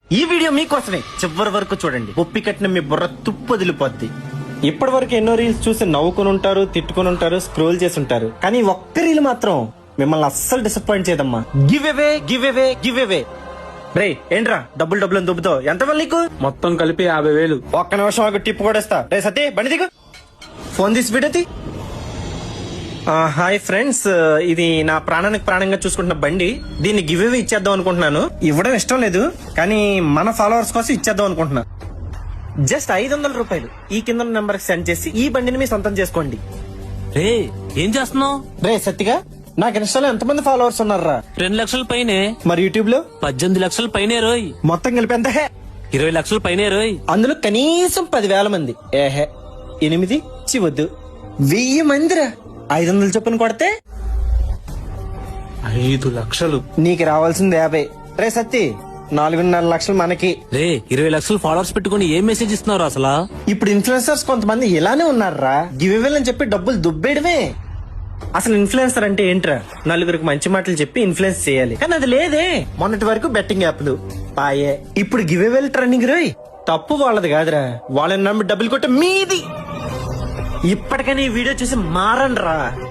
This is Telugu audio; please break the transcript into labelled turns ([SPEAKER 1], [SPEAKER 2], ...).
[SPEAKER 1] ఈ వీడియో మీకోసమే చివరి వరకు చూడండి. ఒప్పి కట్టిన మీ బుర్ర తుప్పు వదిలిపోద్ది. ఇప్పటి వరకు ఎన్నో రీల్స్ చూసి నవ్వుకుని ఉంటారు, తిట్టుకుని ఉంటారు, స్క్రోల్ చేసి ఉంటారు. కానీ ఒక్క రీల్ మాత్రం మిమ్మల్ని అస్సలు డిసప్పాయింట్ చేయదమ్మా. Give away give away give away. రే ఏంట్రా డబ్బులు అని దుబ్బుతావు? ఎంత వల్ల నీకు?
[SPEAKER 2] మొత్తం కలిపి 50,000.
[SPEAKER 1] ఒక్క నిమిషం ఆగు, టిప్ కూడా ఇస్తా. రే సతీ బండి దిగు. ఫోన్ తీసి వీడియో. హాయ్ ఫ్రెండ్స్, ఇది నా ప్రాణానికి ప్రాణంగా చూసుకుంటున్న బండి. దీన్ని గివ్ అవే ఇచ్చేద్దాం అనుకుంటున్నాను. ఇవ్వడం ఇష్టం లేదు, కానీ మన ఫాలోవర్స్ కోసం ఇచ్చేద్దాం అనుకుంటున్నా. జస్ట్ 500 రూపాయలు ఈ కింద నెంబర్ సెండ్ చేసి ఈ బండిని మీ సొంతం చేసుకోండి.
[SPEAKER 3] రే ఏం చేస్తున్నావు?
[SPEAKER 1] రే సత్తిగా, నాకు ఇన్స్టాలో ఎంతమంది ఫాలోవర్స్ ఉన్నారా?
[SPEAKER 3] 2 లక్షల పైనే.
[SPEAKER 1] మరి యూట్యూబ్ లో
[SPEAKER 3] 18 లక్షల పైనే రోయ్.
[SPEAKER 1] మొత్తం కలిపి ఎంత?
[SPEAKER 3] 20 లక్షల పైనే రోయ్.
[SPEAKER 1] అందులో కనీసం 10,000 మంది. 8 చివద్దు 1000 మందిరా. 500 చొప్పున కొడితే
[SPEAKER 2] 5 లక్షలు.
[SPEAKER 1] నీకు రావాల్సింది 50. రే సత్తి, 4.5 లక్షలు మనకి.
[SPEAKER 3] రే 20 లక్షలు ఫాలోవర్స్ పెట్టుకుని ఏం మెసేజ్ ఇస్తున్నారు అసలు?
[SPEAKER 1] ఇప్పుడు ఇన్ఫ్లుయెన్సర్స్ కొంతమంది ఇలానే ఉన్నారా, గివ్ అవే అని చెప్పి డబ్బులు దుబ్బేయడమే. అసలు ఇన్ఫ్లుయెన్సర్ అంటే ఏంట్రా? నలుగురికి మంచి మాటలు చెప్పి ఇన్ఫ్లుయెన్స్ చేయాలి. కానీ అది లేదే. మొన్నటి వరకు బెట్టింగ్ యాప్లు పాయే, ఇప్పుడు గివ్ అవే ట్రెండింగ్ రోయ్. తప్పు వాళ్ళది కాదురా, వాళ్ళని నమ్మి డబ్బులు కొట్టే మీది. ఇప్పటికైనా ఈ వీడియో చూసి మారండి రా.